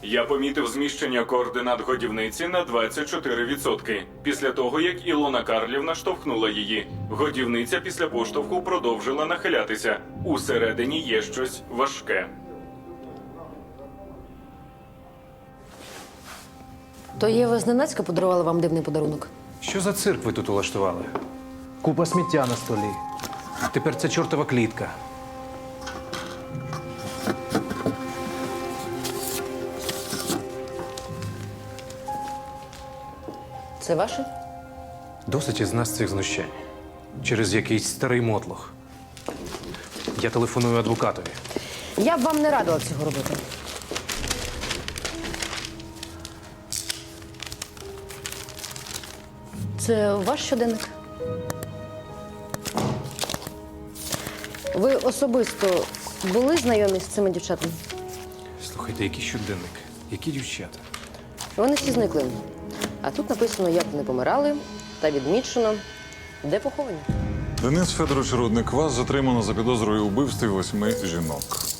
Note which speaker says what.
Speaker 1: Я помітив зміщення координат годівниці на 24%. Після того, як Ілона Карлівна штовхнула її. Годівниця після поштовху продовжила нахилятися. Усередині є щось важке.
Speaker 2: То Єва зненацька подарувала вам дивний подарунок?
Speaker 3: Що за цирк ви тут улаштували? Купа сміття на столі. Тепер це чортова клітка.
Speaker 2: Це ваше?
Speaker 3: Досить із нас цих знущань. Через якийсь старий мотлох. Я телефоную адвокатові.
Speaker 2: Я б вам не радила цього робити. Це ваш щоденник? Ви особисто були знайомі з цими дівчатами?
Speaker 3: Слухайте, який щоденник? Які дівчата?
Speaker 2: Вони всі зникли. А тут написано, як вони помирали, та відмічено, де поховані.
Speaker 4: Денис Федорович Рудник, вас затримано за підозрою у вбивстві 8 жінок.